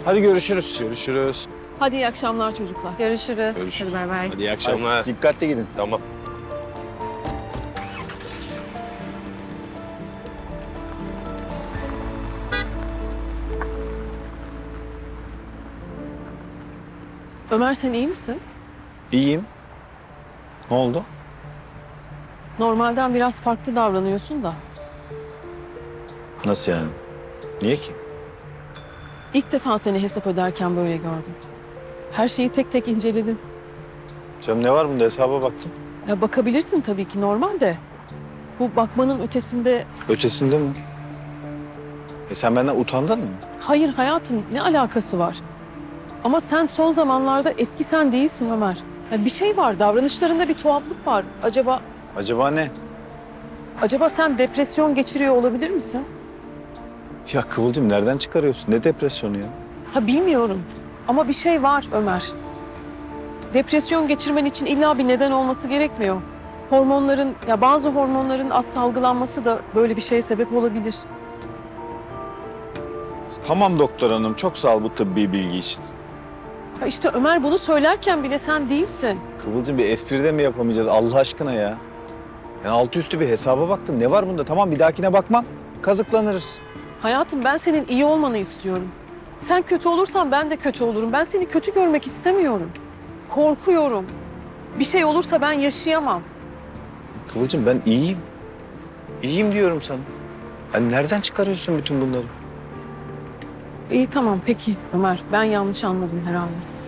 Hadi görüşürüz. Görüşürüz. Hadi iyi akşamlar çocuklar. Görüşürüz. Görüşürüz. Hadi bay bay. Hadi iyi akşamlar. Hadi, dikkatli gidin. Tamam. Ömer sen iyi misin? İyiyim. Ne oldu? Normalden biraz farklı davranıyorsun da. Nasıl yani? Niye ki? İlk defa seni hesap öderken böyle gördüm. Her şeyi tek tek inceledin. Canım ne var bunda, hesaba baktım. Ya bakabilirsin tabii ki normal de. Bu bakmanın ötesinde... Ötesinde mi? Sen benden utandın mı? Hayır hayatım ne alakası var? Ama sen son zamanlarda eski sen değilsin Ömer. Ya bir şey var, davranışlarında bir tuhaflık var. Acaba ne? Acaba sen depresyon geçiriyor olabilir misin? Ya Kıvılcım nereden çıkarıyorsun? Ne depresyonu ya? Ha bilmiyorum ama bir şey var Ömer. Depresyon geçirmen için illa bir neden olması gerekmiyor. Bazı hormonların az salgılanması da böyle bir şeye sebep olabilir. Tamam doktor hanım, çok sağ ol bu tıbbi bilgi için. Ha işte Ömer bunu söylerken bile sen değilsin. Kıvılcım bir espri de mi yapamayacağız Allah aşkına ya? Yani altı üstü bir hesaba baktım. Ne var bunda? Tamam bir dahakine bakmam. Kazıklanırız. Hayatım ben senin iyi olmanı istiyorum. Sen kötü olursan ben de kötü olurum. Ben seni kötü görmek istemiyorum. Korkuyorum. Bir şey olursa ben yaşayamam. Kıvılcım ben iyiyim. İyiyim diyorum sana. Yani nereden çıkarıyorsun bütün bunları? İyi tamam peki Ömer. Ben yanlış anladım herhalde.